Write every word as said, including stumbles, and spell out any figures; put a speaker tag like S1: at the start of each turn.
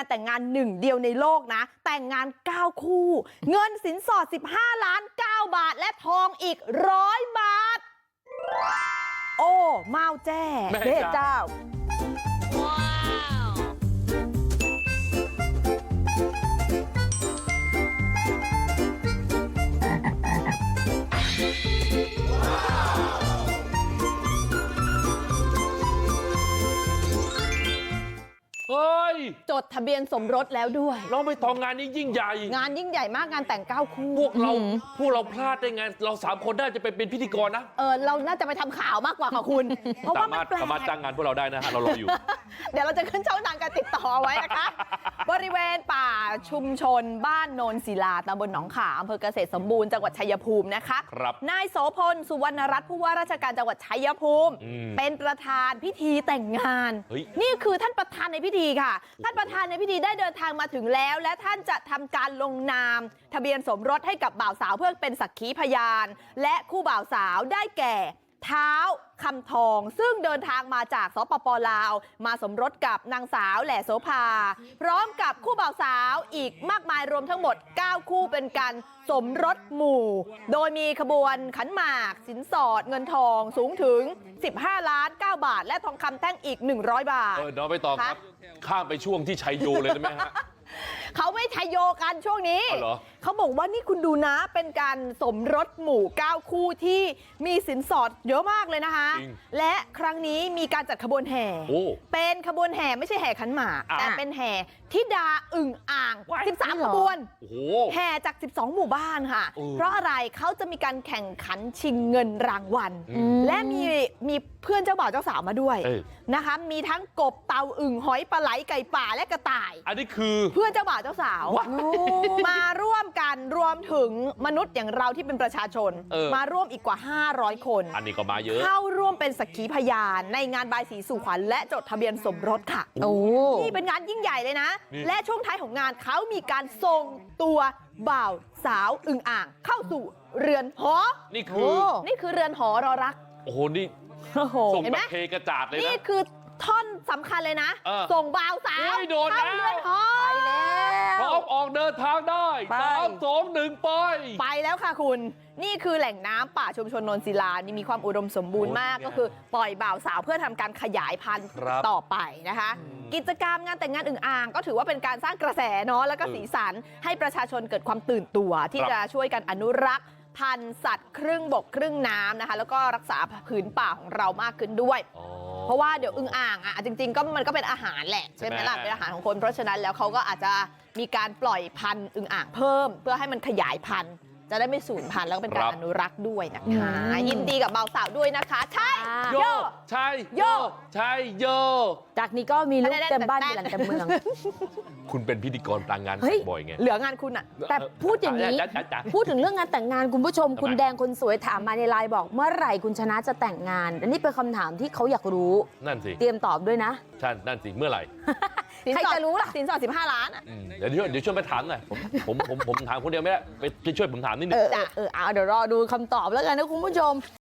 S1: านแต่งงานหนึ่งเดียวในโลกนะแต่งงานเก้าคู่เงินสินสอดสิบห้าล้านเก้าบาทและทองอีกหนึ่งร้อยบาทโอ้เมาแจ้แม่เจ้า
S2: เฮ้ย
S1: จดทะเบียนสมรสแล้วด้วย
S2: น้องใบตองงานนี้ยิ่งใหญ่
S1: งานยิ่งใหญ่มากงานแต่งเก้าคู่
S2: พวกเราพวกเราพลาดได้ไงเราสามคนน่าจะไปเป็นพิธีกรนะ
S1: เออเราน่าจะไปทำข่าวมากกว่าค่ะคุณเพราะว่ามันแปลก
S2: สามารถจ้างงานพวกเราได้นะฮะเรารออยู่
S1: เดี๋ยวเราจะขึ้นช่องทางการติดต่อไว้นะคะบริเวณป่าชุมชนบ้านโนนศิลาตำบลหนองขาอำเภอเกษตรสมบูรณ์จังหวัดชัยภูมินะคะ
S2: ครับ
S1: นายโสพลสุวรรณรัตน์ผู้ว่าราชการจังหวัดชัยภูมิเป็นประธานพิธีแต่งงานนี่คือท่านประธานในพิธีค่ะท่านประธานในพิธีได้เดินทางมาถึงแล้วและท่านจะทำการลงนามทะเบียนสมรสให้กับบ่าวสาวเพื่อเป็นสักขีพยานและคู่บ่าวสาวได้แก่เท้าคำทองซึ่งเดินทางมาจากสปป.ลาวมาสมรสกับนางสาวแหล่โสภาพร้อมกับคู่บ่าวสาวอีกมากมายรวมทั้งหมดเก้าคู่เป็นการสมรสหมู่โดยมีขบวนขันหมากสินสอดเงินทองสูงถึงสิบห้าล้านเก้าบาทและทองคำแท่งอีกหนึ่งร้อยบาท
S2: เออน้องใบตองครับข้ามไปช่วงที่ชัยโยเลยได้ไหมฮะ
S1: เขาไม่ชัยโยกันช่วงนี้เขาบอกว่านี่คุณดูนะเป็นการสมรสหมู่เก้าคู่ที่มีสินสอดเยอะมากเลยนะคะและครั้งนี้มีการจัดขบวนแห่เป็นขบวนแห่ไม่ใช่แห่ขันหมากแต่เป็นแห่ธิดาอึ่งอ่างสิบสามขบวนแห่จากสิบสองหมู่บ้านค่ะเพราะอะไรเขาจะมีการแข่งขันชิงเงินรางวัลและมีมีเพื่อนเจ้าบ่าวเจ้าสาวมาด้วยนะคะมีทั้งกบเต่าอึ่งหอยปลาไหลไก่ป่าและกระต่าย
S2: อันนี้คือ
S1: เพื่อนเจ้าบ่าวเจ้าสาวมาร่วมกันรวมถึงมนุษย์อย่างเราที่เป็นประชาชนมาร่วมอีกกว่าห้าร้อยคน
S2: อันนี้ก็มาเยอะ
S1: เข้าร่วมเป็นสักขีพยานในงานบายสีสู่ขวัญและจดทะเบียนสมรสค่ะโอ้นี่เป็นงานยิ่งใหญ่เลยนะและช่วงท้ายของงานเขามีการส่งตัวบ่าวสาวอึ่งอ่างเข้าสู่เรือนหอ
S2: นี่คือ
S1: นี่คือเรือนหอรอรัก
S2: โอ้โหนี่ส่งแบบเทกระจาดเลยนะ
S1: นี่คือท่อนสำคัญเลยนะส่งบ่าวสาวเข้าเรือนหอไปแล้ว
S2: พร้อมออกเดินทางได้สามสองหนึ่งไป
S1: ไปแล้วค่ะคุณนี่คือแหล่งน้ำป่าชุมชนโนนศิลานี่มีความอุดมสมบูรณ์มากก็คือปล่อยบ่าวสาวเพื่อทำการขยายพันธุ์ต่อไปนะคะกิจกรรมงานแต่งงานอึ่งอ่างก็ถือว่าเป็นการสร้างกระแสเนาะแล้วก็สีสันให้ประชาชนเกิดความตื่นตัวที่จะช่วยกันอนุรักษ์พันธุ์สัตว์ครึ่งบกครึ่งน้ำนะคะแล้วก็รักษาผืนป่าของเรามากขึ้นด้วยเพราะว่าเดี๋ยวอึ่งอ่างอ่ะจริงๆก็มันก็เป็นอาหารแหละใช่ไหมล่ะเป็นอาหารของคนเพราะฉะนั้นแล้วเขาก็อาจจะมีการปล่อยพันธุ์อึ่งอ่างเพิ่มเพื่อให้มันขยายพันธุ์จะได้ไม่สูญพันธุ์แล้วก็เป็นการอนุรักษ์ด้วยนะคะยินดีกับบ่าวสาวด้วยนะคะใช่
S2: โยใช่โยใช่โย
S3: จากนี้ก็มีลูกเต็มบ้านมีหลังเต็มเมือง
S2: คุณเป็นพิธีกรต่างงานบ่อยไง
S1: เหลืองานคุณอะ
S3: แต่พูดอย่างนี้พูดถึงเรื่องงานแต่งงานคุณผู้ชมคุณแดงคนสวยถามมาในไลน์บอกเมื่อไหร่คุณชนะจะแต่งงานอันนี้เป็นคำถามที่เขาอยากรู้
S2: นั่นสิ
S3: เตรียมตอบด้วยนะ
S2: ใช่นั่นสิเมื่อไหร่
S1: ใครจะรู้ล่ะสินสอดสิบห้าล้านอ่ะ
S2: เดี๋ยวเดี๋ยวช่วยไปถามหน่อยผมผมผมผมถามคนเดียวไม่ได้ไปช่วยผมถามนิดนึง
S3: เออเออเอาเดี๋ยวรอดูคำตอบแล้วกันนะคุณผู้ชม